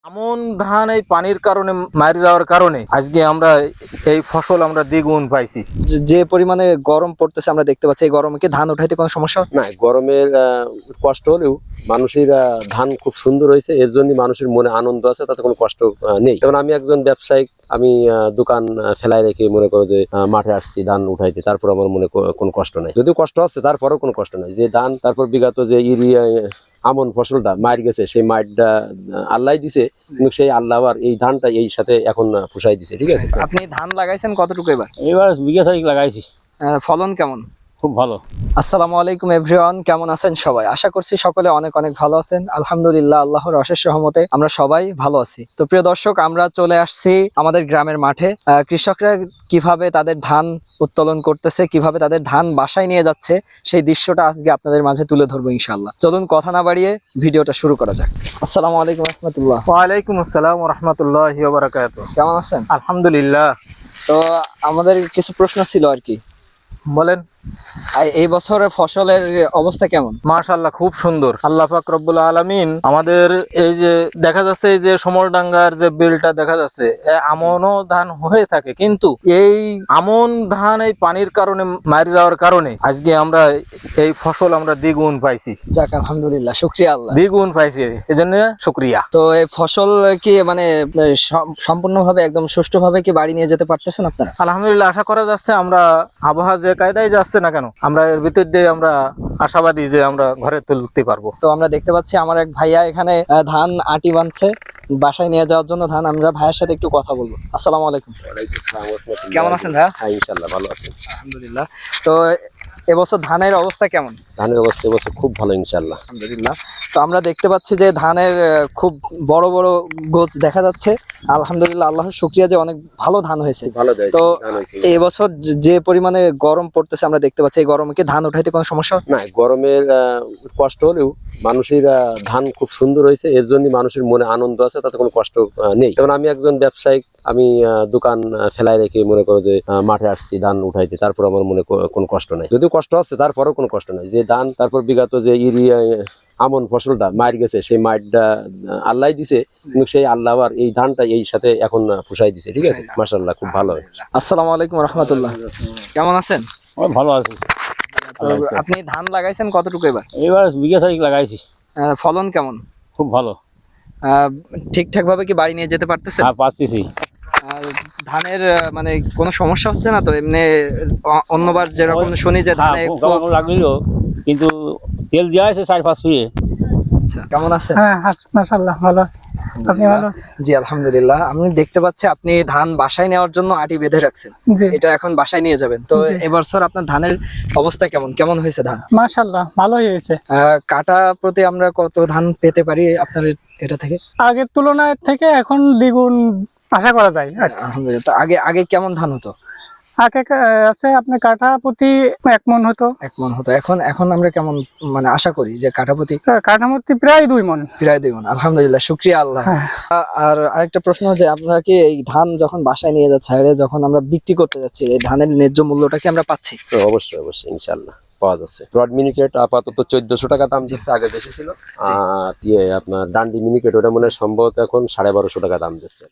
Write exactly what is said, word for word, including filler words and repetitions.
আমন ধান এই পানির কারণে মার যাওয়ার কারণে আজকে আমরা এই ফসল আমরা দ্বিগুণ পাইছি। যে- যে পরিমাণে গরম পড়তেছে আমরা দেখতে পাচ্ছি, এই গরমে কি ধান উঠাইতে কোনো সমস্যা হচ্ছে? না, গরমের আহ, কষ্ট হলেও মানুষের আহ, ধান খুব সুন্দর হয়েছে, এর জন্য মানুষের মনে আনন্দ আছে, তাতে কোনো কষ্ট আহ, নেই। যেমন আমি একজন ব্যবসায়িক, আমি আহ, দোকান আহ, ফেলায় রেখে মনে করো যে আহ, মাঠে আসছি ধান উঠাইতে, তারপর আমার মনে কো- কোনো কষ্ট নাই। যদিও কষ্ট হচ্ছে তারপরেও কোনো কষ্ট নাই। যে ধান তারপর বিগত যে ইউরিয়া আমন ফসলটা মার গেছে, সেই মারটা আল্লাহ দিছে, কিন্তু সেই আল্লাহ আবার এই ধানটা এই সাথে এখন আহ, ফুসাই দিছে। ঠিক আছে, আপনি ধান লাগাইছেন কতটুকু এবার? এবার বিঘা চারিক লাগাইছি, আহ, ফলন কেমন? খুব ভালো। আসসালামু আলাইকুম এভরিওয়ান, কেমন আছেন সবাই? আশা করছি সকলে অনেক অনেক ভালো আছেন। আলহামদুলিল্লাহ, আল্লাহর অশেষ রহমতে আমরা সবাই ভালো আছি। তো প্রিয় দর্শক, আমরা চলে আসছি আমাদের গ্রামের মাঠে। আহ, কৃষকরা কিভাবে তাদের ধান উত্তোলন করতেছে, কিভাবে তাদের ধান বাসায় নিয়ে যাচ্ছে, সেই দৃশ্যটা আজকে আপনাদের মাঝে তুলে ধরবো ইনশাআল্লাহ। চলুন কথা না বাড়িয়ে ভিডিওটা শুরু করা যাক। আসসালামু আলাইকুম রহমতুল্লাহ। ওয়ালাইকুম আসসালাম ওয়া রাহমাতুল্লাহি ওয়া বারাকাতুহু। কেমন আছেন? আলহামদুলিল্লাহ। তো আমাদের কিছু প্রশ্ন ছিল আর কি। বলেন। আর এই বছরের ফসলের অবস্থা কেমন? মাশাআল্লাহ, খুব সুন্দর। আল্লাহ পাক রব্বুল আলামিন আমাদের এই যে দেখা যাচ্ছে, এই যে সমরডাঙ্গার যে বিলটা দেখা যাচ্ছে, এ আমনও ধান হয়ে থাকে, কিন্তু এই আমন ধান এই পানির কারণে মার যাওয়ার কারণে আজকে আমরা এই ফসল আমরা দ্বিগুণ পাইছি। যাক আলহামদুলিল্লাহ, শুকরিয়া আল্লাহ। দ্বিগুণ পাইছি, এজন্য শুকরিয়া। তো এই ফসল কি মানে সম- সম্পূর্ণভাবে একদম সুষ্ঠুভাবে কি বাড়ি নিয়ে যেতে পারতেছেন আপনারা? আলহামদুলিল্লাহ, আশা করা যাচ্ছে আমরা আবহাওয়া যে কায়দায় যাচ্ছে না কেন, আমরা এর ভিতর দিয়ে আমরা আশাবাদী যে আমরা ঘরে তুলতে পারবো। তো আমরা দেখতে পাচ্ছি আমার এক ভাইয়া এখানে আহ, ধান আটি বাঁধছে বাসায় নিয়ে যাওয়ার জন্য ধান। আমরা ভাইয়ের সাথে একটু কথা বলবো। আসসালামু আলাইকুম। ওয়ালাইকুম আসসালাম ওয়া রাহমাতুল্লাহি। কেমন আছেন ভাইয়া? হ্যাঁ, ইনশাআল্লাহ ভালো আছি। আলহামদুলিল্লাহ। তো এবছর ধানের অবস্থা কেমন? ধানের অবস্থা এবছর খুব ভালো ইনশাআল্লাহ। আলহামদুলিল্লাহ। তো আমরা দেখতে পাচ্ছি যে ধানের আহ, খুব বড় বড় গোছ দেখা যাচ্ছে। আলহামদুলিল্লাহ, আল্লাহর শুকরিয়া যে অনেক ভালো ধান হয়েছে। খুব ভালো দেয় তো ধান হয়েছে। এবছর যে- যে পরিমাণে গরম পড়তেছে আমরা দেখতে পাচ্ছি, এই গরমে কি ধান উঠাইতে কোনো সমস্যা হচ্ছে? না, গরমের আহ, কষ্ট হলেও মানুষের আহ, ধান খুব সুন্দর হয়েছে, এর জন্য মানুষের মনে আনন্দ আছে, তাতে কোনো কষ্ট আহ, নেই। যেমন আমি একজন ব্যবসায়িক, আমি আহ, দোকান আহ, ফেলায় রেখে মনে করো যে আহ, মাঠে আসছি ধান উঠাইতে, তারপর আমার মনে কো- কোনো কষ্ট নাই। যদিও কষ্ট হচ্ছে তারপরেও কোনো কষ্ট নাই। যে ধান তারপর বিগত যে ইউরিয়া আমন ফসলটা মার গেছে, সেই মারটা আল্লাহ দিছে, কিন্তু সেই আল্লাহ আবার এই ধানটা এই সাথে এখন আহ, ফুসাই দিছে। ঠিক আছে, মাশাআল্লাহ, খুব ভালো। আসসালামু আলাইকুম রহমতুল্লাহ। কেমন আছেন? ওই ভালো আছি। তো আপনি ধান লাগাইছেন কতটুকু এবার? এবার বিঘা চারিক লাগাইছি, আহ, ফলন কেমন? খুব ভালো। আহ, ঠিকঠাক ভাবে কি বাড়ি নিয়ে যেতে পারতেছেন? হ্যাঁ, পাচ্ছি। আর ধানের আহ, মানে কোনো সমস্যা হচ্ছে না তো? এমনি অ- অন্যবার যেরকম শুনি যে ধানে একটু- লাগছিল, কিন্তু তেল দেওয়া আছে চার পাঁচ শুয়ে। আচ্ছা, কেমন আছেন? হ্যাঁ, মাশাআল্লাহ ভালো আছি। আপনি ভালো আছেন? জি আলহামদুলিল্লাহ। আমি দেখতে পাচ্ছি আপনি ধান বাসায় নেওয়ার জন্য আটি বেঁধে রাখছেন, জি এটা এখন বাসায় নিয়ে যাবেন। তো জি। এবছর আপনার ধানের অবস্থা কেমন কেমন হয়েছে ধান? মাশাআল্লাহ ভালোই হয়েছে। আহ, কাটা প্রতি আমরা কত ধান পেতে পারি আপনার এটা থেকে? আগের তুলনায় থেকে এখন দ্বিগুণ আশা করা যায় আর কি। আলহামদুলিল্লাহ। তো আগে আগে কেমন ধান হতো? আগে কা- আছে আপনার কাঠা প্রতি এক মন হতো, এক মন হতো। এখন এখন আমরা কেমন মানে আশা করি যে কাঠাপতি? কাঠামোতি প্রায় দুই মন। প্রায় দুই মন। আলহামদুলিল্লাহ, শুকরিয়া আল্লাহ। হ্যাঁ। আ- আর আরেকটা প্রশ্ন, যে আপনারা কি এই ধান যখন বাসায় নিয়ে যাচ্ছে, আর যখন আমরা বিক্রি করতে যাচ্ছি, এই ধানের ন্যায্য মূল্যটা কি আমরা পাচ্ছি? তো অবশ্যই অবশ্যই ইনশাআল্লাহ পাওয়া যাচ্ছে। ব্রড মিনিকেট আপাতত চোদ্দশো টাকা দাম দিচ্ছে, আগে বেশি ছিল। আর ইয়ে আপনার ডান্ডি মিনিকেট, ওটা মনে হয় সম্ভবত এখন সাড়ে বারোশো টাকা দাম দিচ্ছে।